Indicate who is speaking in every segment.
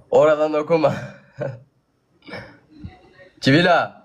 Speaker 1: Oradan okuma. Çivila.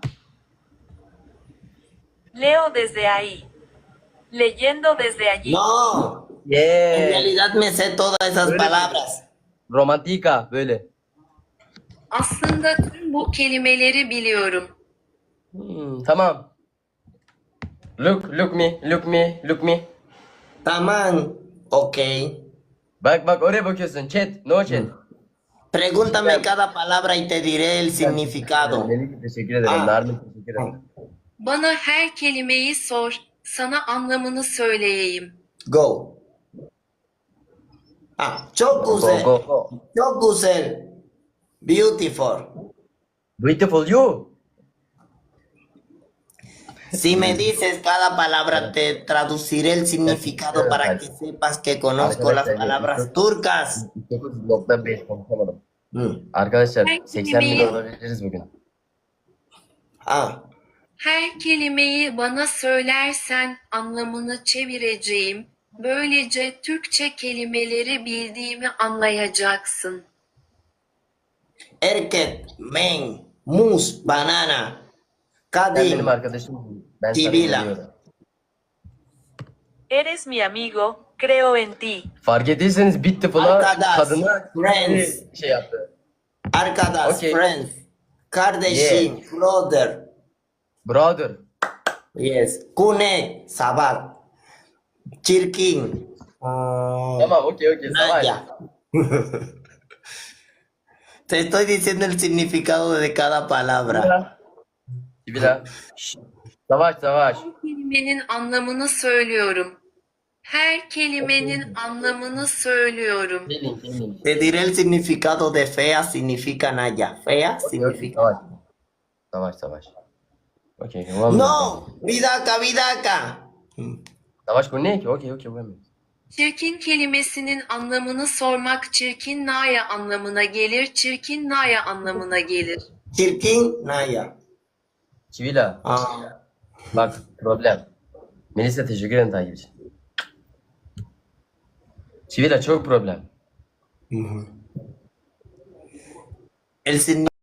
Speaker 2: Leo desde ahí. Leyendo desde allí.
Speaker 3: No, en
Speaker 1: Yeah.
Speaker 3: realidad me sé todas esas
Speaker 1: Öyle
Speaker 3: palabras.
Speaker 1: Romantika böyle.
Speaker 2: Aslında tüm bu kelimeleri biliyorum.
Speaker 1: Tamam. Look me, look me, look me.
Speaker 3: Tamam, ok.
Speaker 1: Bak oraya bakıyorsun. Chat, no chat.
Speaker 3: Pregúntame cada palabra y te diré el significado.
Speaker 1: Melih teşekkür ederim.
Speaker 3: Ah.
Speaker 1: Narmin teşekkür ederim.
Speaker 2: Bana her kelimeyi sor. Sana anlamını söyleyeyim.
Speaker 3: Go. Çok
Speaker 1: Go
Speaker 3: güzel.
Speaker 1: go go.
Speaker 3: Çok güzel. Beautiful.
Speaker 1: Beautiful you.
Speaker 3: Si me dices cada palabra, te traduciré el significado para que sepas que conozco las palabras turcas.
Speaker 1: 9.5 konuşamadım.
Speaker 3: Hı.
Speaker 1: Arkadaşlar
Speaker 2: Her
Speaker 1: 80 bin
Speaker 2: kelimeyi-
Speaker 1: olabiliriz bugün.
Speaker 3: Ah,
Speaker 2: Her kelimeyi bana söylersen anlamını çevireceğim. Böylece Türkçe kelimeleri bildiğimi anlayacaksın.
Speaker 3: erkek, men, mus, banana,
Speaker 1: Sen benim
Speaker 3: kadın,
Speaker 1: arkadaşım. Ben sana
Speaker 3: Sibila.
Speaker 1: güveniyorum.
Speaker 2: Eres mi amigo, creo en ti.
Speaker 1: Fark ettiyseniz Beautiful'a
Speaker 3: Arkadaş,
Speaker 1: kadına
Speaker 3: friends.
Speaker 1: şey yaptı.
Speaker 3: arkadaş,
Speaker 1: Okay.
Speaker 3: friends, kardeşim, brother,
Speaker 1: Brother.
Speaker 3: yes, kunek, sabat, çirkin,
Speaker 1: Tamam okey savaş.
Speaker 3: Naya. Te estoy diciendo el significado de cada palabra.
Speaker 1: Sibila. Savaş.
Speaker 2: Her kelimenin anlamını söylüyorum. Her kelimenin anlamını söylüyorum.
Speaker 1: Gelin.
Speaker 3: Te diré el significado de fea significa Naya. Fea significa.
Speaker 1: Savaş. Okey.
Speaker 3: No, vidaka, vidaka.
Speaker 1: Savaş bu ne ki? Okey.
Speaker 2: Çirkin kelimesinin anlamını sormak çirkin naya anlamına gelir. Çirkin naya anlamına gelir.
Speaker 3: Çirkin Naya.
Speaker 1: Çivila. Bak problem. Melisa teşekkür ederim takip için. Çivila çok problem.
Speaker 3: El significado